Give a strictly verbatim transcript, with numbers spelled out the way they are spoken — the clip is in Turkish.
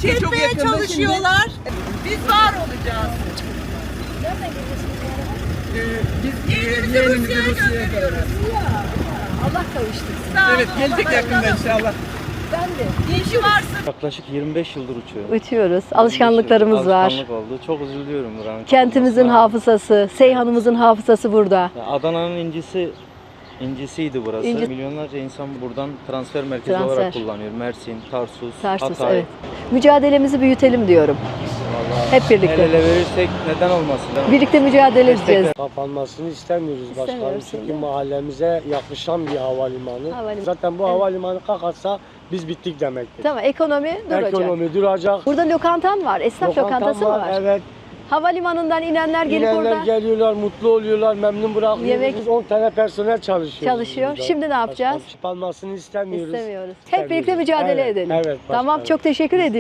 yok Yok çok etmeye yakında çalışıyorlar. Biz var olacağız. Şimdi, e, biz e, Yeğenimizi yeğenimizi Rusya'ya Rusya'ya gönderiyoruz. gönderiyoruz. Allah kavuştursun. Sağ Evet olun, gelecek Allah yakında razı olsun. inşallah. Ben de. İyi ki varsın. Yaklaşık yirmi beş yıldır uçuyorum. Uçuyoruz. Alışkanlıklarımız var. Alışkanlık oldu. Çok üzülüyorum buranın Kentimizin kapanmasına. hafızası, Seyhan'ımızın hafızası burada. Ya Adana'nın incisi incisiydi burası. İnci- Milyonlarca insan buradan transfer merkezi Transfer. olarak kullanıyor. Mersin, Tarsus, Tarsus, Hatay. evet. Mücadelemizi büyütelim diyorum. Vallahi Hep birlikte. El ele verirsek neden olmasın? değil mi? Birlikte mücadele edeceğiz. Kapanmasını istemiyoruz başkanım İstemiyoruz, çünkü değil mi? mahallemize yaklaşan bir havalimanı. Havalimanı. Zaten bu Evet. havalimanı kalkarsa biz bittik demektir. Tamam, ekonomi duracak. Ekonomi duracak. Burada lokantan var, esnaf Lokantam lokantası mı var? Evet. Havalimanından inenler gelip İnenler orada geliyorlar, mutlu oluyorlar, memnun bırakıyoruz. Yemek- Biz on tane personel çalışıyor. çalışıyor. Şimdi ne yapacağız? Kapanmasını istemiyoruz. İstemiyoruz. Hep İstemiyoruz. birlikte mücadele Evet, edelim. evet Tamam, başkanım. çok teşekkür ediyorum.